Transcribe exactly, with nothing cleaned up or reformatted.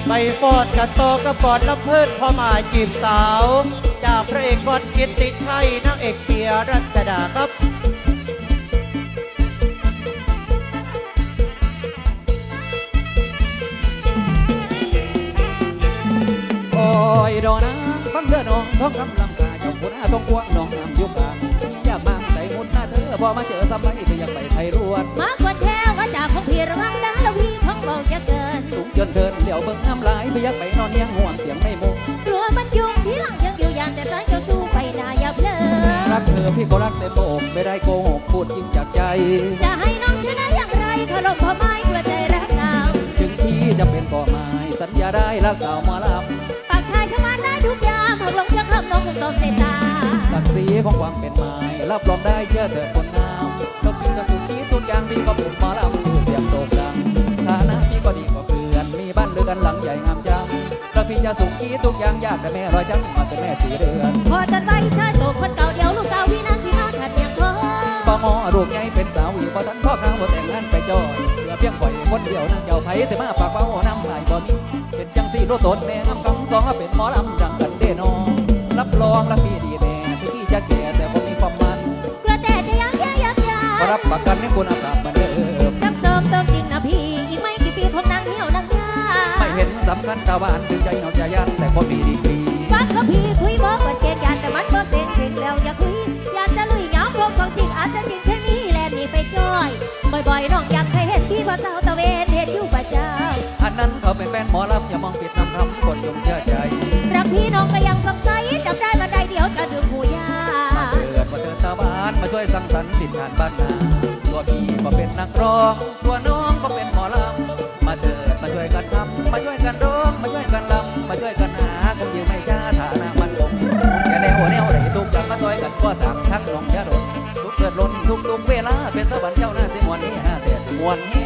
ใบฟอดกับโตกระปอดลำเพิดพอมาจีบสาวจากพระเอกกอดกิตติชัยนางเอกเกียรัชดาครับโอ้ยดอกนางฟังเดือดน้องท้องคำลำกาเจ้าคุณอาต้องกวงน้องน้ำยุกาอยากมั่งใส่มุดหน้าเธอพอมาเจอสมัยก็อยากไปไทยรวนมากกว่าแท้ว่าจากของพี่ระวังนะแล้วพี่ของเบาจะเกินสูงจนเทินเหลียวเบิ่งน้ำลายไปอยากไปนอนเนียงห่วงเสียงไม่มุงกลัวมันยุงที่หลังยังอยู่ยานแต่ร้ายจะสู้ไปนาอย่าเพลินรักเธอพี่ก็รักเต็มอกไม่ได้โกหกพูดจริงจากใจจะให้น้องชนะอย่างไรขลมพอไม้กระใจรักเก่าถึงพี่จะเป็นก่อไม้สัญญาได้รักเก่ามาลำปากชายชะมันได้ทุกอย่างหากลงเพียงคำน้องคงต้องเสียตาศักดิ์ศรีของความเป็นไม้รับรองได้เชื่อเถิดคนงามก็กินกับสุกี้ทุกอย่างพี่ก็เป็นหมอลำชื่อเสียงโด่งดังฐานะพี่ก็ดีกว่าเพื่อนมีบ้านเรือนหลังใหญ่งามจังเราพี่จะสุกี้ทุกอย่างยากแต่แม่รอยจังมาเป็นแม่สีเรือนพอจันไว้ชายโตคนเก่าเดียวลูกสาวพี่นั้นพี่มาขัดเมียงทองก็งอรูปใหญ่เป็นสาวอีกพอทันพ่อข้าวแต่งงานไปจอยเหลือเพียงข่อยคนเดียวนั่งเจ้าไผ่แต่มาปากเบาน้ำลายบ่มีเป็นจังสีโลตนแม่งำกำสองเป็นหมอลำดังกันเด้นองรับรองรับพี่ดีแน่ที่พี่จะแก่แต่ผมมีความมันกระแต่จะยังแย่ยังยารับประกันให้คุณภาพเหมือนเดิมรักเติมเติมจริงนะพี่อีกไม่กี่ปีคงนั่งเหี่ยวนั่งยาไม่เห็นสำคัญชาวบ้านถึงใจนอนใจยันแต่ก็มีดีกรีฟังเขาพี่คุยบอกว่าเกณฑ์ยานแต่มันบ่เต็งเก่งแล้วอย่าคุยยานจะลุยเหงาพบของจริงอาจจะจริงแค่นี้แลนนี่ไปจ้อยบ่อยๆน้องอยากให้เห็นพี่พอเต่าตะเวนเห็นอยู่ประจำอันนั้นเขาเป็นแฟนหมอลำอย่ามองผิดทำคำคนจงเชื่อใจรักพี่น้องก็ยังสงสัยจำได้มาได้เดียวจะดื่มหูยาเกิดมาเดินตาบ้านมาช่วยสังสรรค์สินงานบ้านนาตัวพี่ก็เป็นนักร้องตัวน้องก็เป็นหมอลำมาเถิดมาช่วยกันทำมาช่วยกันร้องมาช่วยกันลำมาช่วยกันหาคงยืมไม่ช้าฐานะมันคงแค่แนวแนวไหนทุกอย่างมาช่วยกันก็สั่งทั้งน้องยาดมทุกเกิดล้นทุกทุกเวลาเป็นสวรรค์เจ้าหน้าสิมวนนี่ฮะแต่สิมวนนี่